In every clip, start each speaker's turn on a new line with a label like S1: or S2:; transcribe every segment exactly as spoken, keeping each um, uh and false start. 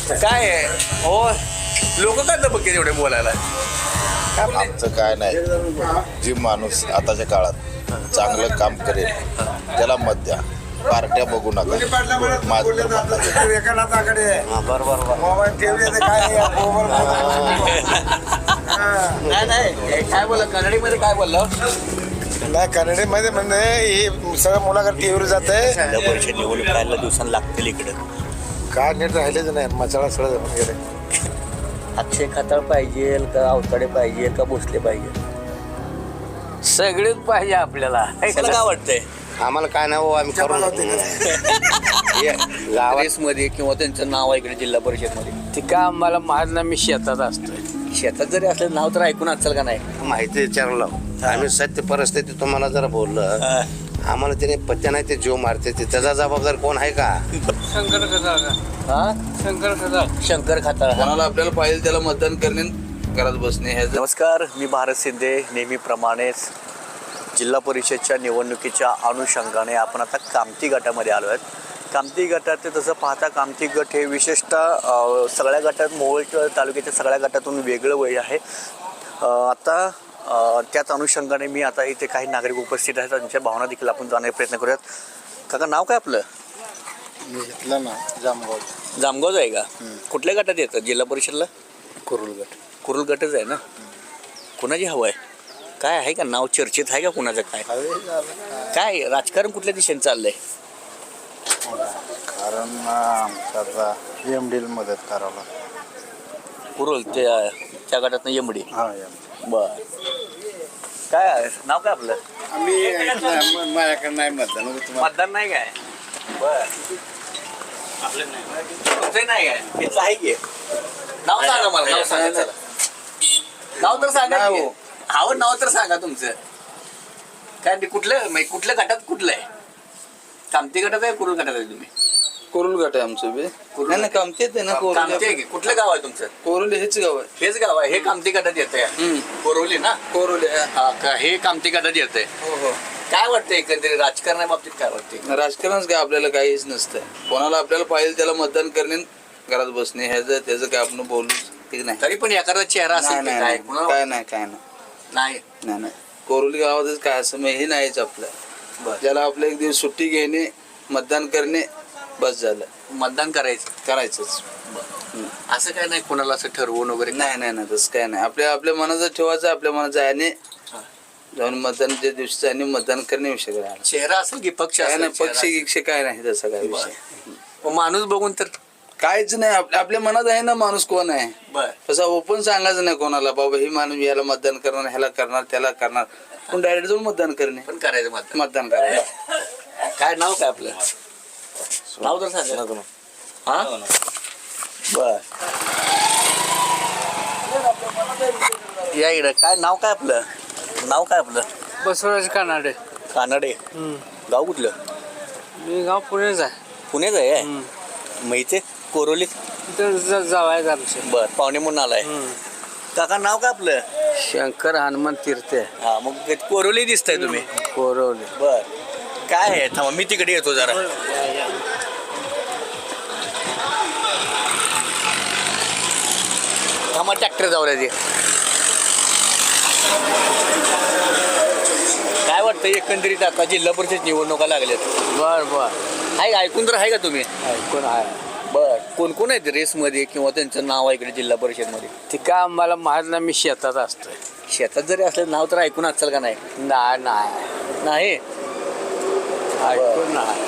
S1: काय आहे हो लोक काय दबके एवढे बोलायला
S2: आमचं काय नाही जी माणूस आताच्या काळात चांगलं काम करेल त्याला मत द्या पार्ट्या बघू नका माझं तर म्हणणं आहे.
S1: नाही नाही काय बोला कन्नडीमध्ये काय बोललं
S3: नाही कन्नडीमध्ये म्हणजे हे सगळं मुलाकडे टीव्हीवर जात आहे
S4: जिल्हा परिषद निवडणूक राहायला दिवसांनी लागतील इकडे
S3: काय नीट राहिलेच नाही मचाळा सगळं जमून गेले
S4: अक्षय खताळ पाहिजे का अवताडे पाहिजे का भोसले पाहिजे
S5: सगळेच पाहिजे आपल्याला
S4: त्याला काय वाटतंय
S3: आम्हाला काय नाही हो आम्ही करून गावात
S4: मध्ये किंवा त्यांचं नाव आहे इकडे जिल्हा परिषद मध्ये
S5: ते का आम्हाला माहित नाही मी शेतात असतोय
S4: शेतात जरी असलं नाव तर ऐकून असेल का नाही
S3: माहिती विचारलं आम्ही सत्य परिस्थिती तुम्हाला जरा बोललं आम्हाला त्याने पत्त्या नाही ते जीव मारते ते त्याचा जबाबदार कोण आहे का
S5: शंकर खताळ
S4: हा
S5: शंकर खताळ
S4: शंकर खाताळ
S1: कोणाला आपल्याला पाहिजे त्याला मतदान करणे घरात बसणे हे
S4: नमस्कार मी भारत शिंदे नेहमीप्रमाणेच जिल्हा परिषदच्या निवडणुकीच्या अनुषंगाने आपण आता कामती गटामध्ये आलो आहेत कामती गटात ते तसं पाहता कामती गट हे विशेषतः अ, सगळ्या गटात मोहोळ तालुक्याच्या सगळ्या गटातून वेगळं वय आहे अ, आता अ, त्याच अनुषंगाने मी आता इथे काही नागरिक उपस्थित आहेत त्यांच्या भावना देखील आपण जाण्याचा प्रयत्न करूयात. काका नाव काय आपलं
S2: मी घेतलं ना जामगाव
S4: जामगावच आहे का कुठल्या गटात येतं जिल्हा परिषदला
S2: कुरुल गट
S4: कुरुल गटच आहे ना कुणाची हवं आहे काय आहे का नाव चर्चेत आहे का कुणाचं काय काय राजकारण कुठल्या दिशेने चाललंय
S2: कारण आमचा एम डीला मदत करावं
S4: कुरुल त्या त्या गटातनं यमडी
S2: हा
S4: बर काय आहे? नाव काय आपलं
S2: आम्ही माझ्याकडे नाही मतदान
S4: मतदान नाही काय बर आपलं नाही तुमचं नाही काय हेच आहे की नाव सांगा मला नाव सांगा चला. नाव तर सांगा की. हाव नाव तर सांगा तुमचं काय ते कुठलं म्हणजे कुठल्या गटात कुठलं आहे कामती गटात आहे कुरुल गटात आहे तुम्ही
S1: कोरुल गट आहे आमचं बी
S4: कुरुल
S1: नाही नाही कामती येते ना
S4: कामती आहे
S1: कोरुल
S4: की कुठलं गाव आहे तुमचं
S1: कोरुल हेच गाव आहे
S4: हेच गाव आहे हे कामती गटात येत आहे कोरवली ना
S1: कोरुल आहे.
S4: हा का हे कामती गटात येत आहे
S1: हो हो
S4: काय वाटतं एकंदरीत राजकारणाच्या बाबतीत काय वाटते
S1: राजकारणच काय आपल्याला काहीच नसतं कोणाला आपल्याला पाहिजे त्याला मतदान करणे घरात बसणे ह्याचं त्याचं काय आपण बोलू ठीक नाही
S4: तरी पण एखादा चेहरा असेल
S1: नाही,
S4: की
S1: नाही,
S4: काय
S1: नाही.
S4: कुणाला-
S1: काय नाही काय नाही
S4: नाही
S1: नाही नाही कोरोली गावातच काय असं मग हे नाहीच आपलं
S4: बरं.
S1: ज्याला आपलं एक दिवस सुट्टी घेणे मतदान करणे बस झालं
S4: मतदान करायचं
S1: करायचंच
S4: असं काय नाही कोणाला असं ठरवून वगैरे
S1: नाही नाही नाही तसं काय नाही आपल्या आपल्या मनाचं ठेवायचं आपल्या मनाचं आहे आणि
S4: हा.
S1: जाऊन मतदान ज्या दिवशी आणि मतदान करणे विषय काय नाही.
S4: चेहरा असेल की पक्ष
S1: काय
S4: असेल,
S1: नाही
S4: चेहरा
S1: पक्ष
S4: असेल.
S1: गिक्ष काय नाही तसं काय विषय
S4: मग माणूस बघून तर
S1: काहीच नाही आपल्या आपल्या मनात आहे ना माणूस कोण आहे
S4: बर
S1: तसं ओपन सांगायचं नाही कोणाला बाबा ही माणूस ह्याला मतदान करणार ह्याला करणार त्याला करणार पण डायरेक्ट जाऊन मतदान करणे
S4: पण करायचं मतदान
S1: मतदान करायचं
S4: काय नाव काय आपलं नाव तर सांगा हा बर या इकडं काय नाव काय आपलं नाव काय आपलं
S5: बसवराज कानाडे
S4: कानडे गाव कुठलं
S5: मी गाव पुणेच आहे
S4: पुण्याच आहे माहिती कोरोली
S5: तिथं ज- जावायचं आमचं
S4: बर पाहुणे म्हणून आलाय काका नाव काय आपलं
S5: शंकर हनुमान तीर्थे
S4: हा मग ते कोरोली दिसताय तुम्ही
S5: कोरवली
S4: बर काय आहे थांबा मी तिकडे येतो जरा थांबा ट्रॅक्टर जाऊ द्या काय वाटतं एकंदरीत आता जिल्हा परिषद निवडणुका लागल्यात
S5: बर बर
S4: आहे का? ऐकून तर आहे का तुम्ही
S5: ऐकून आहे
S4: बर कोण कोण आहेत रेसमध्ये किंवा त्यांचं नाव आहे इकडे जिल्हा परिषदमध्ये
S5: ते का आम्हाला माहित नाही मी शेतात असतोय
S4: शेतात जरी असलं नाव तर ऐकून असेल का नाही
S5: नाही नाही
S4: नाही
S5: ऐकून नाही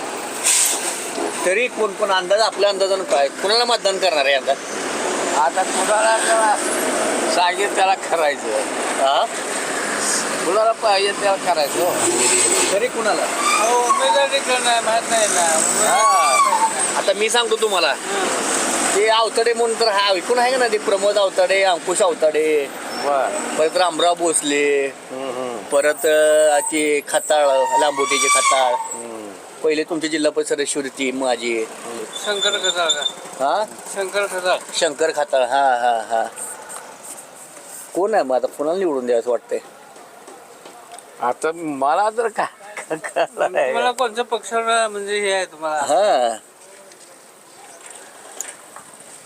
S4: तरी कोण कोण अंदाज आपल्या अंदाजानं काय कुणाला मतदान करणार आहे अंदाज
S5: आता कुणाला त्याला सांगेल त्याला करायचं
S4: हा
S5: कुणाला पाहिजे त्याला करायचं हो.
S4: तरी कुणाला
S5: अहो, उमेदवारी नाही माहित नाही ना
S4: हा आता मी सांगतो तुम्हाला ते अवताडे म्हणून तर हा ऐकून आहे का ना ते प्रमोद अवताडे अंकुश अवताडे
S5: बर
S4: परत रामराव भोसले परत अं, ते खताळ लांबोटीचे खताळ पहिले तुमचे जिल्हा परिषद शिवती माझी
S5: शंकर खताळ
S4: हा
S5: शंकर खताळ
S4: शंकर खताळ हा हा हा कोण आहे मग आता कोणाला निवडून द्यायचं वाटतंय
S5: आता मला तर काय मला कोणत्या पक्षाला म्हणजे हे आहे तुम्हाला
S4: हा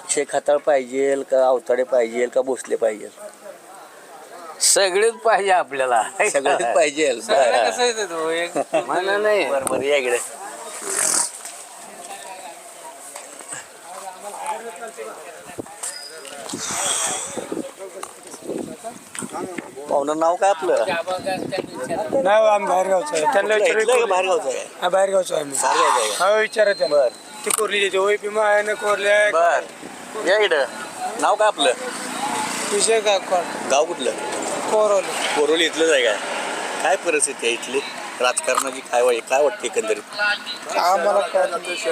S4: अक्षय खाताळ पाहिजे का अवताडे पाहिजे का भोसले पाहिजे?
S5: सगळेच पाहिजे आपल्याला
S4: सगळेच पाहिजे.
S5: सगळं कसं येतं तो एक म्हणा नाही.
S4: बरं बरं या इकडे. पाहुणं नाव काय आपलं?
S6: नाही आम्ही बाहेरगावचं आहे त्यांना
S4: इथलं का
S6: विचार
S4: बाहेरगावचं आहे?
S6: हा बाहेरगावचं आहे आम्ही
S4: बाहेरगावचं आहे का?
S6: हा विचारा त्यांना
S4: बर
S6: ती कोरली देते होय भीमा आहे ना कोरली आहे
S4: बर या इकडं. नाव काय आपलं?
S6: विषय का
S4: गाव कुठलं?
S6: कोरवली
S4: कोरोली इथलंच आहे काय? काय परिस्थिती आहे इथली राजकारणाची? काय वाई काय वाटते एकंदरीत?
S6: आम्हाला कळत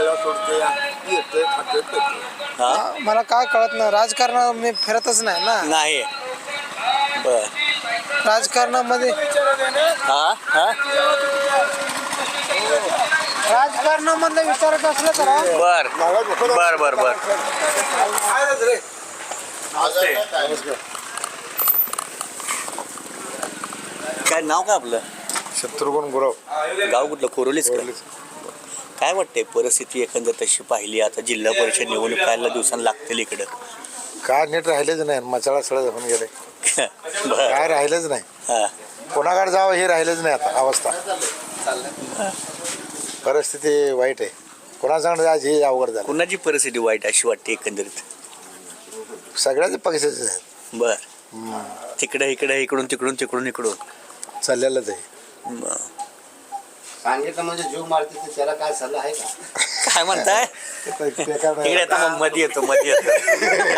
S4: हा
S6: मला काय कळत नाही राजकारणात मी फिरतच नाही ना
S4: नाही. बर
S6: राजकारणामध्ये
S4: हा हा
S6: राजकारणामधलं विचारत असलं तर हा.
S4: बर बर बर बर काय नाव काय आपलं?
S2: शत्रुघ्न गुरव
S4: गाव कुठलं? कोरोलीच का? काय वाटतंय परिस्थिती एकंदर तशी पाहिली आता जिल्हा परिषद निवडणूक कायला दिवसांना लागतील इकडं?
S2: काय नीट राहिलेच नाही मचाळा सळा होऊन गेले
S4: बर
S2: काय राहिलंच नाही
S4: हा
S2: कोणाकडे जावं हे राहिलंच नाही आता अवस्था परिस्थिती वाईट आहे कोणाकडे जायचं हे अवघड झालं
S4: कुणाची परिस्थिती वाईट अशी वाटते एकंदरीत?
S2: सगळ्याच पक्षाचे आहेत
S4: बर तिकडे इकडे इकडून तिकडून तिकडून इकडून
S2: चाललेलंच आहे
S4: बर.
S3: सांगितलं म्हणजे जीव मारते ते त्याला काय सल्ला आहे का?
S4: काय म्हणताय? इकडे आता मग मध्ये येतो मध्ये येतो.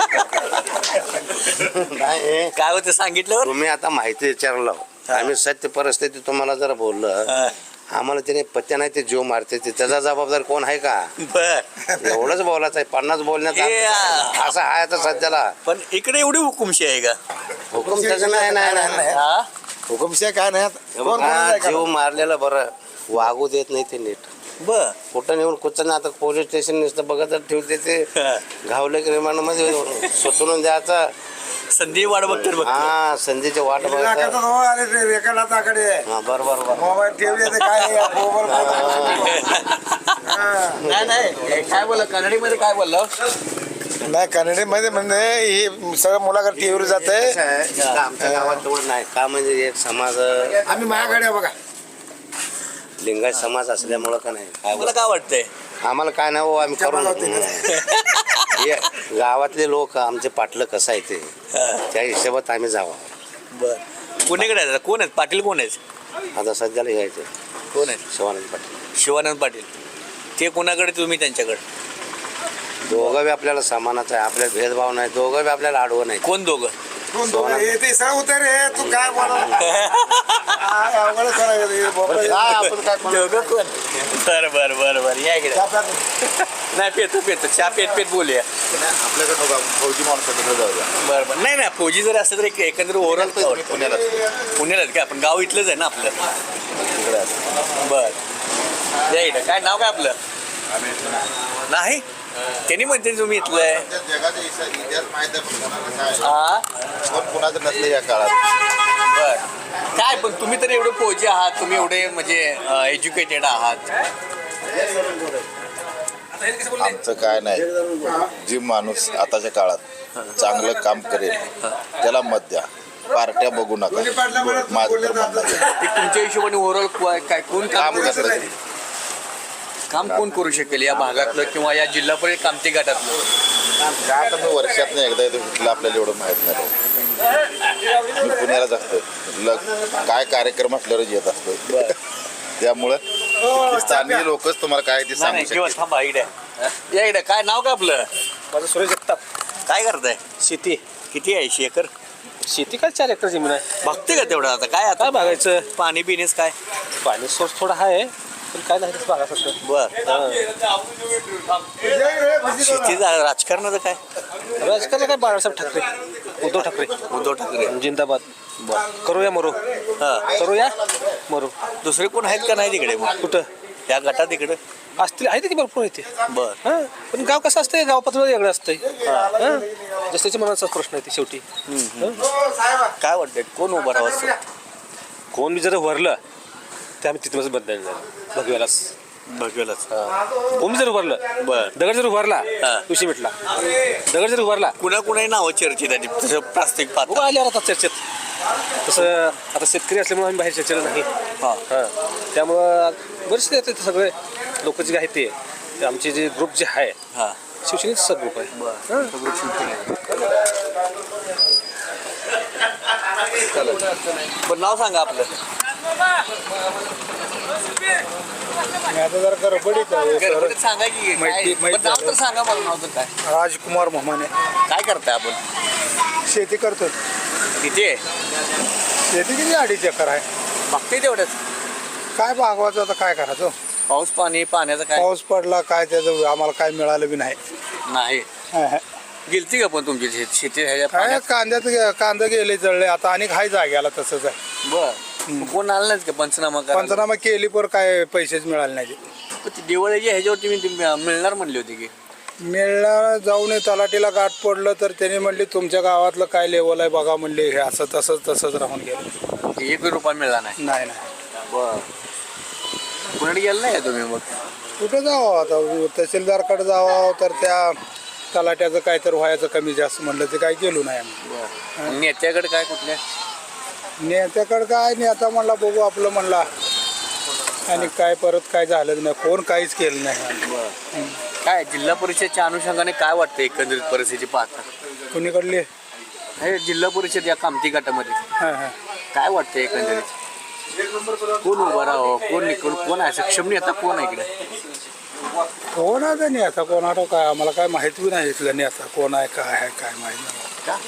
S3: नाही
S4: काय होतं सांगितल्यावर?
S3: तुम्ही आता माहिती विचारलं आम्ही सत्य परिस्थिती तुम्हाला जर बोललं
S4: हा.
S3: आम्हाला त्याने पत्त्या नाही ते जीव मारते ते त्याचा जबाबदार कोण आहे का?
S4: बर
S3: एवढंच बोलायचं आहे पन्नास बोलण्यात
S4: ए, आ.
S3: असं आहे आता सध्याला
S4: पण इकडे एवढी हुकुमशी आहे का?
S3: हुकुम त्याचं नाही नाही नाही
S4: हा
S2: हुकुमशाही काय नाही आता. कोण कोणाला
S3: हा,
S2: काय
S3: जीव मारलेलं बरं वागू देत नाही ते नीट
S4: बर
S3: कुठं नेऊन कुठं आता पोलीस स्टेशन नुसतं बघत ठेवते ते घावले की रिमांडमध्ये सुटून द्यायचा
S4: संधी वाट बघते बघ.
S3: हा संधीची वाट बघायचं हा बरोबर बरोबर
S2: मोबाईल ठेवले तर काय
S4: नाही नाही काय बोलला कन्नडीमध्ये काय बोललो?
S2: नाही कन्नडीमध्ये म्हणजे ही सगळं मुलाकडे टीव्हीवर जात आहे
S3: आमच्या गावात तेवढं नाही का म्हणजे एक समाज
S2: आम्ही माझ्याकडे बघा
S3: लिंगायत समाज असल्यामुळं का नाही काय
S4: मला काय वाटतंय?
S3: आम्हाला काय नाही हो आम्ही करून हे गावातले लोक आमचे पाटलं कसं आहे ते त्या हिशोबात आम्ही जावं
S4: बर कोणीकडे आहे? कोण आहेत पाटील? कोण आहेत
S3: आता सध्याला घ्यायचं
S4: कोण आहेत?
S3: शिवानंद पाटील
S4: शिवानंद पाटील. ते कोणाकडे तुम्ही त्यांच्याकडे?
S3: दोघं बी आपल्याला समानाचं आहे आपल्याला भेदभाव नाही दोघं बी आपल्याला आडवं नाही
S4: कोण दोघं?
S2: ते सर उतर रे तू काय
S3: काय आपण काय कोण-
S4: दोघं कोण? बर बर बर बर या इकडे. नाही पेतो पेतो चहा पेत पेत बोलूया.
S2: आपल्याकडे फौजी माणसाकडे जाऊया
S4: बर बर नाही नाही फौजी जर असलं तर एक एकंदर ओव्हरऑल
S2: पुण्याला
S4: पुण्यालाच काय आपण गाव इथलंच आहे ना आपलं. बर या इकडे. काय नाव काय आपलं? नाही त्यांनी म्हणते तुम्ही इथलं आहे.
S2: जगाचा इतिहास माहित आहे पण कोणाला काय
S4: हा
S2: कोण कोणाचं नसलं या काळात
S4: बर काय पण तुम्ही तर एवढे फौजी आहात तुम्ही एवढे म्हणजे एज्युकेटेड आहात.
S2: आमचं काय नाही जी माणूस आताच्या काळात चांगलं काम करेल त्याला मत द्या पार्ट्या बघू नका माझं तर म्हणणं आहे.
S4: ते तुमच्या हिशोबाने ओव्हरऑल काय कोण काम
S2: काम
S4: करू
S2: कसं
S4: शकेल? काम कोण करू शकेल या भागातलं किंवा या जिल्हा परिषद कामती गटातलं?
S2: काय तर मी वर्षातनं एकदा येतो तिथलं आपल्याला एवढं माहित नाही मी पुण्यालाच असतो लग काय कार्यक्रम असल्यावरच येत असतो त्यामुळं स्थानिक लोकच तुम्हाला काय ते
S4: नाही
S2: सांगू
S4: नाही, किंवा
S2: शकते
S4: थांबा इकडे या इकडे. काय नाव काय आपलं?
S6: माझं सुरेश जगताप
S4: काय करताय?
S6: शेती
S4: किती आहे ऐंशी एकर?
S6: शेती काय चार एकर जमीन आहे
S4: बघते का तेवढं आता काय आता
S6: काय बघायचं
S4: पाणी पिणेच काय?
S6: पाणी सोर्स थोडा आहे पण काय नाही बघा फक्त
S4: बर शेतीचं राजकारणाचं काय?
S6: राजकारण काय बाळासाहेब ठाकरे उद्धव ठाकरे
S4: उद्धव ठाकरे.
S6: जिंदाबाद करूया मरो
S4: हा
S6: करूया मरो
S4: दुसरे कोण आहेत का नाही तिकडे मग
S6: कुठं
S4: या गटात तिकडे?
S6: असतील आहे की भरपूर आहे ते
S4: बर
S6: हां पण गाव कसं असतंय गाव पातळीवर वेगळं असतंय हां जसं मनाचाच प्रश्न आहे ते शेवटी हं?
S4: काय वाटतंय कोण उभं राहावं?
S6: कोण बी जर वरलं ते आम्ही तिथूनच बदलायला जाईल बघूयालाच
S4: बघेलच
S6: ओम जर उभारलं
S4: बर.
S6: दगड जर उभारला
S4: हा.
S6: विषय मिटला. दगड जर उभारला
S4: कुणा कुणाही नावं चर्चेत आली तसं प्लास्टिक पाहता
S6: उभं आल्यावर आता चर्चेत तसं आता शेतकरी असल्यामुळे आम्ही बाहेर चर्चेला नाही
S4: हा
S6: हां त्यामुळं बरेचसे येते सगळे लोक जे आहेत ते ते आमचे जे ग्रुप जे आहे
S4: हा
S6: शिवसेनेचा ग्रुप आहे हां.
S4: बरं नाव सांगा आपलं
S7: आता जरा गडबडीत आहे.
S4: गडबडीत सांगा की काय?
S7: माहिती- माहिती
S4: बरं, नाव तर
S7: झालं.
S4: सांगा मला नाव तर काय
S7: राजकुमार मोहमाने
S4: काय करताय आपण
S7: शेती करतो.
S4: किती आहे
S7: शेती किती अडीच एकर आहे.
S4: बघते तेवढंच
S7: काय भागवायचं आता काय करायचं.
S4: पाऊस पाणी पाण्याचं काय
S7: पाऊस पडला काय त्याचं आम्हाला काय मिळालं बी नाही.
S4: नाही
S7: हा, हा.
S4: गेलती का पण तुमची शेत- शेती ह्याच्या
S7: काय
S4: पाण्यात?
S7: कांद्यात कांदा गेले जळले आता आणि हाय जाग्याला तसंच आहे.
S4: बर कोण आलं नाहीच का पंचनामा करायला?
S7: पंचनामा केली पर काय पैसेच मिळाले नाही.
S4: पण ती दिवाळीच्या ह्याच्यावरती मी ती मिळणार म्हणली होती की
S7: मिळणार जाऊन तलाठीला गाठ पडलं तर त्यांनी म्हणले तुमच्या गावातलं काय लेवल आहे बघा म्हणले. हे असं तसंच तसंच राहून गेलं.
S4: एक रुपया मिळाला नाही
S7: नाही नाही
S4: बर कुणाकडे गेलं नाही का तुम्ही मग
S7: कुठं जावं आता तहसीलदारकडे जावं तर त्या तलाट्याचं काय तर व्हायचं कमी जास्त म्हणलं ते काय गेलो नाही आम्ही.
S4: बर नेत्याकडे काय कुठल्या
S7: नेत्याकडे काय नेता म्हणला बघू आपलं म्हणला आणि काय परत काय झालं नाही. कोण काहीच केलं नाही.
S4: काय जिल्हा परिषदच्या अनुषंगाने काय वाटतं एकंदरीत परिस्थिती पाहता
S7: कुणीकडले
S4: हे जिल्हा परिषद या कामती गटामध्ये
S7: हां हां
S4: काय वाटतं एकंदरीत कोण उभा राहावं कोण निकड कोण आहे सक्षम नेता कोण आहे इकडे
S7: कोण आता नेता कोणाला काय आम्हाला काय माहिती बी नाही इथलं नेता कोण आहे काय आहे काय माहिती नाही.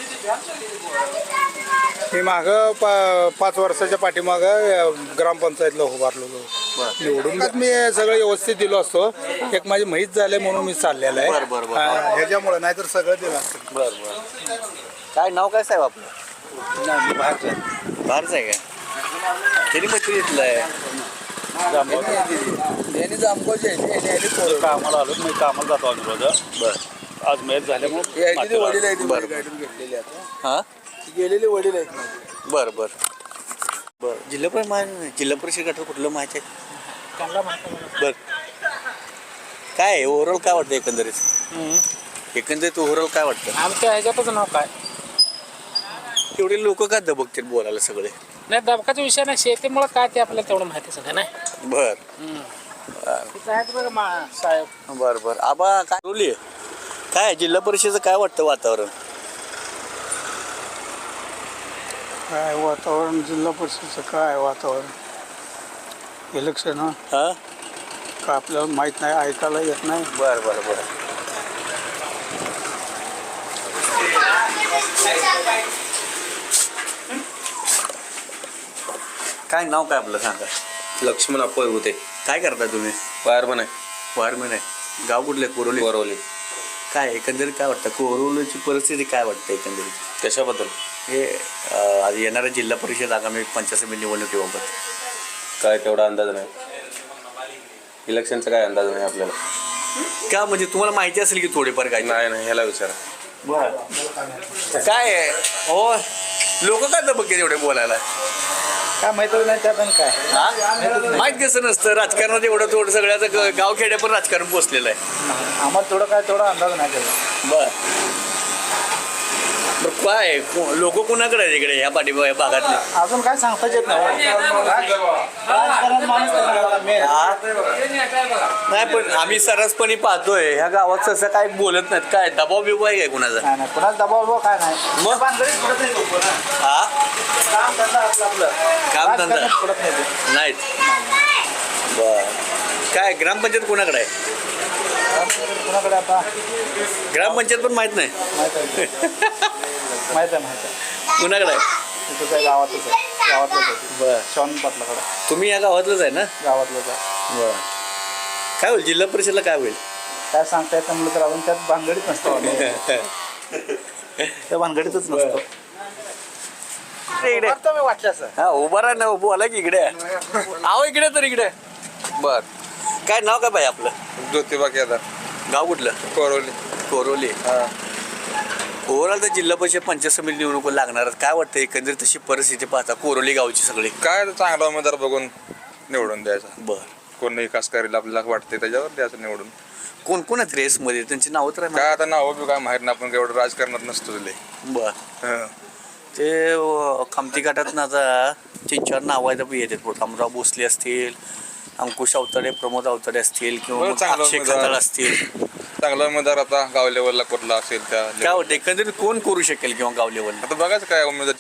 S7: मी मागं पा पाच वर्षाच्या पाठीमागं ग्रामपंचायतला उभारलो निवडून मी सगळं व्यवस्थित दिलो असतो. एक माझी माहीत झाले म्हणून मी चाललेलं आहे.
S4: बरं, बरं, बरं.
S7: हां, ह्याच्यामुळे नाहीतर सगळं दिलं असतं.
S4: बर बर काय नाव काय साहेब आपलं बाहेरचं आहे काय तरी मैत्री घेतलं आहे
S1: यांनी जामगावची आहे, यांनी आली पोरं.
S8: कामाला आलो मी कामाला जातो आम्ही रोज
S4: बर
S8: आज मॅच झाल्यामुळे
S1: हे आहे तिथे वडील आहेत
S4: बरं.
S1: गाडीतून घेतलेली आता
S4: हां
S1: ती गेलेली वडील आहेत.
S4: बर बर बर जिल्हा परिषद माहिती जिल्हा परिषद गटात कुठलं माहिती आहे बर काय आहे ओव्हरऑल काय वाटतं एकंदरीत एकंदरीत ओव्हरऑल काय वाटतं
S9: आमच्या ह्याच्यातच नाव काय
S4: एवढे लोक काय दबकतील बोलायला सगळे
S9: नाही दबकाचा विषय नाही शेतीमुळे काय ते आपल्याला तेवढं माहिती सगळं नाही
S4: बर
S9: तिथं आहेत बघा मा- साहेब
S4: बर बर आबा काय बोलली काय जिल्हा परिषदेचं काय वाटतं वातावरण
S7: काय वातावरण जिल्हा परिषदचं काय वातावरण इलेक्शन हं
S4: हां
S7: का आपल्याला माहीत नाही ऐकायला येत नाही.
S4: बर बर बर काय नाव काय आपलं सांगा
S10: लक्ष्मण अप्पा होते
S4: काय करता तुम्ही
S10: फायरमन आहे
S4: वारमेन आहे गाव कुठले कोरोली
S10: वरवली.
S4: काय एकंदरीत काय वाटतं कोरोलीची परिस्थिती काय वाटतं एकंदरीत
S10: कशाबद्दल
S4: हे अं, आज येणाऱ्या जिल्हा परिषद आगामी पंचायत समिती निवडणुकीबाबत
S10: काय तेवढा अंदाज नाही. इलेक्शनचा काय अंदाज नाही आपल्याला.
S4: का म्हणजे तुम्हाला माहिती असेल की थोडीफार काय
S10: नाही नाही ह्याला विचारा.
S4: काय आहे हो लोक काय दबके एवढे बोलायला
S7: काय माहिती नाही त्यात काय
S4: हा? माहित कसं नसतं राजकारणात एवढं थोडं सगळ्याचं ग- गाव खेड्या पण राजकारण पोचलेलं आहे
S7: आम्हाला थोडं काय थोडा अंदाज नाही त्याचा.
S4: बर बरं काय लोक कुणाकडे आहेत इकडे ह्या पाठी या भागातले
S7: अजून काय सांगताच येत नाही. राजकारण माणूस त्याला मेन.
S4: हा? नाही पण आम्ही सरसपणे पाहतोय ह्या गावात तसं काय बोलत नाहीत काय दबाव बिबाव आहे काय कुणाचा
S7: नाही नाही कुणाला दबाव बिबाव काय नाही.
S4: मग
S7: भानगडीत पडत नाही लोकं ना.
S4: हा
S7: काम धंदा आपलं आपलं
S4: काम धंदा
S7: राजकारणात पडत नाही ते.
S4: नाहीत बर काय ग्रामपंचायत कुणाकडे आहे
S7: कुणाकडे आता
S4: ग्रामपंचायत पण माहित नाही
S7: माहित आहे माहित आहे माहित आहे
S4: कुणाकडे आहे
S7: इथं काय गावातच आहे गावातलंच आहे
S4: बर
S7: शॉन पाटलाकडे
S4: तुम्ही या गावातलंच आहे ना
S7: गावातलंच आहे.
S4: बर काय होईल जिल्हा परिषदला काय होईल
S7: काय सांगता येत म्हणलं तर आपण त्यात भानगडीत नसतो आम्ही. त्या भानगडीतच नसतो.
S4: इकडे
S7: मी वाटलं सर
S4: हा उभा राहा ना बोला की इकडे आहो इकडे तर इकडे
S10: बर
S4: काय नाव काय पाहिजे आपलं
S10: ज्योतिबा केदार
S4: गाव कुठलं
S10: कोरवली.
S4: कोरोली ओव्हरऑल तर जिल्हा परिषद पंचायत समिती निवडणूक लागणार काय वाटतं एकंदरीत तशी परिस्थिती पाहता कोरोली गावची सगळी
S10: काय चांगला उमेदवार बघून निवडून द्यायचा.
S4: बर
S10: कोण विकास करेल आपल्याला वाटते त्याच्यावर द्यायचं निवडून.
S4: कोण कोण आहेत रेसमध्ये त्यांची नावं तर आहे
S10: काय आता नाव बी काय माहीत नाही, आपण एवढं राजकारणात नसतो तुले.
S4: बर
S10: हं.
S4: ते अ, कामती गटात आता तीन चार नावं आहेत येतात प्रतापराव भोसले असतील, अंकुश अवतडे, प्रमोद अवतडे असतील किंवा
S10: बरं,
S4: मग
S10: चांगलं
S4: अक्षय
S10: उमेदवार.
S4: खताळ असतील.
S10: चांगला उमेदवार आता गाव लेवलला कुठला असेल त्या
S4: काय वाटतं एकंदरीत कोण करू शकेल किंवा गाव लेवलला?
S10: आता बघायचं काय उमेदवार